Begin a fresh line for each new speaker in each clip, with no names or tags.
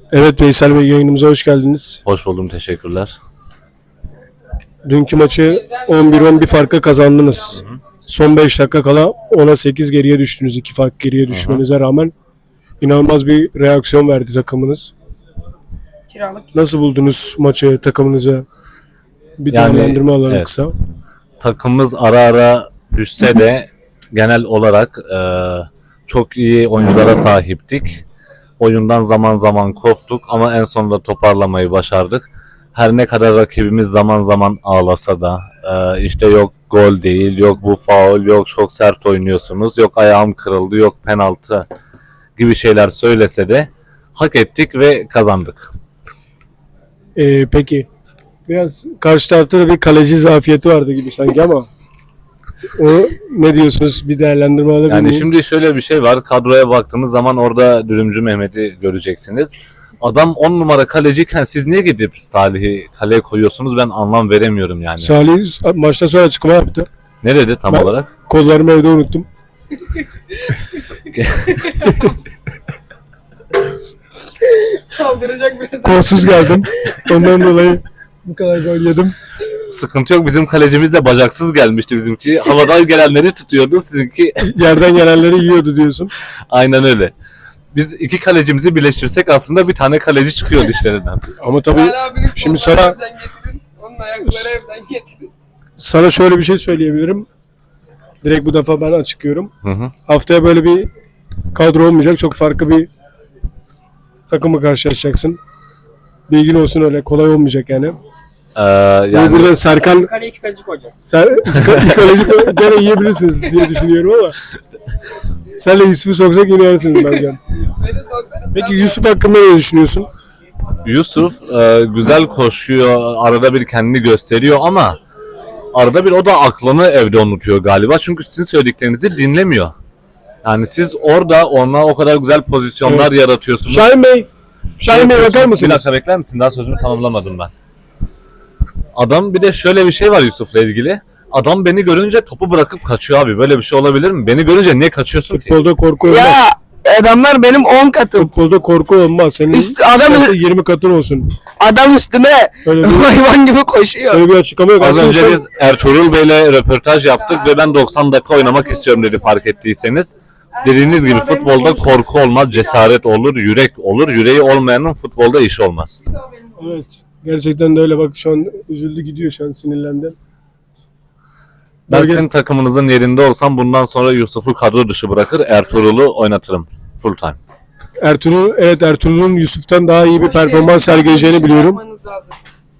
Evet Veysel Bey, yayınımıza hoş geldiniz.
Hoş buldum, teşekkürler.
Dünkü maçı 11-11 farka kazandınız. Son 5 dakika kala 10'a 8 geriye düştünüz. 2 fark geriye düşmenize rağmen inanılmaz bir reaksiyon verdi takımınız. Nasıl buldunuz maçı, takımınıza? Bir değerlendirme alalım
evet.
kısa.
Takımımız ara ara düşse de genel olarak çok iyi oyunculara sahiptik. Oyundan zaman zaman koptuk ama en sonunda toparlamayı başardık. Her ne kadar rakibimiz zaman zaman ağlasa da işte yok gol değil, yok bu faul, yok çok sert oynuyorsunuz, yok ayağım kırıldı, yok penaltı gibi şeyler söylese de hak ettik ve kazandık.
Peki biraz karşı tarafta da bir kaleci zafiyeti vardı gibi sanki ama o ne diyorsunuz? Bir değerlendirme alabilir
Yani
miyim?
şimdi şöyle bir şey var. Kadroya baktığınız zaman orada Dürümcü Mehmet'i göreceksiniz. Adam 10 numara kaleciyken siz niye gidip Salih'i kaleye koyuyorsunuz? Ben anlam veremiyorum yani.
Salih maçtan sonra açıklama yaptı.
Ne dedi tam
Ben-
olarak?
Kollarımı evde unuttum.
Saldıracak biraz.
Kolsuz geldim. Ondan dolayı bu kadar gol yedim.
Sıkıntı yok. Bizim kalecimiz de bacaksız gelmişti bizimki. Havadan gelenleri tutuyordu. Sizinki
Yerden gelenleri yiyordu diyorsun.
aynen öyle. Biz iki kalecimizi birleştirsek aslında bir tane kaleci çıkıyordu işlerinden.
Ama tabii
Ali abinin
şimdi
kolları
sana
evden getirin. Onun ayakları evden getirin.
sana şöyle bir şey söyleyebilirim. Direkt bu defa ben açıklıyorum.
Hı hı.
Haftaya böyle bir kadro olmayacak. Çok farklı bir takımı karşılaşacaksın. Bilgin olsun, öyle kolay olmayacak yani.
Yani
Burada Serkan
Kaleye iki kaleci koyacağız.
kaleci gene yiyebilirsiniz diye düşünüyorum ama senle Yusuf'u soksak yine yersiniz bence.
Beni sokar.
Peki Yusuf hakkında ne düşünüyorsun?
Yusuf güzel koşuyor, arada bir kendini gösteriyor ama arada bir o da aklını evde unutuyor galiba. Çünkü sizin söylediklerinizi dinlemiyor. Yani siz orada ona o kadar güzel pozisyonlar yaratıyorsunuz.
Şahin Bey bakar
Bir
mısınız?
dakika bekler misin? Daha sözümü tamamlamadım ben. Adam bir de şöyle bir şey var Yusuf'la ilgili. Adam beni görünce topu bırakıp kaçıyor abi. Böyle bir şey olabilir mi? Beni görünce niye kaçıyorsun ki?
Futbolda korku olmaz.
Ya adamlar benim 10 katım.
Futbolda korku olmaz. Senin
Adam-
istersen 20 katın olsun.
Adam üstüme
Öyle bir,
hayvan gibi koşuyor.
öyle bir açıklama yok.
Az
Aslında
önce
sen-
biz Ertuğrul Bey'le röportaj yaptık ve ben 90 dakika oynamak istiyorum dedi fark ettiyseniz. Dediğiniz gibi futbolda korku olmaz, cesaret olur, yürek olur. Yüreği olmayanın futbolda işi olmaz.
Evet. Gerçekten de öyle. Bak şu an üzüldü, gidiyor, şu an sinirlendi.
Ben
Bölge-
sizin takımınızın yerinde olsam bundan sonra Yusuf'u kadro dışı bırakır, Ertuğrul'u oynatırım full time.
Ertuğrul'un Yusuf'tan daha iyi bir performans sergileyeceğini biliyorum.
Yapmanız lazım.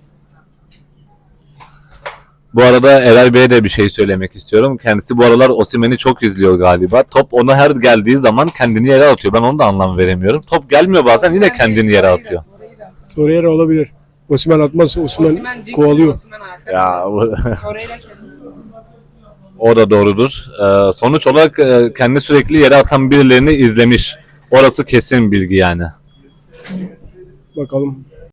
Bu arada Eray Bey'e de bir şey söylemek istiyorum. Kendisi bu aralar Osimhen'i çok izliyor galiba. Top ona her geldiği zaman kendini yere atıyor. Ben onu da anlam veremiyorum. Top gelmiyor bazen yine kendini yere atıyor.
Torreira olabilir. Osimhen atmaz. Osimhen
Osimhen dik,
kovalıyor.
Osimhen ayakta.
Ya
Torreira kendisi.
o da doğrudur. Sonuç olarak kendi sürekli yere atan birilerini izlemiş. Orası kesin bilgi yani.
Bakalım.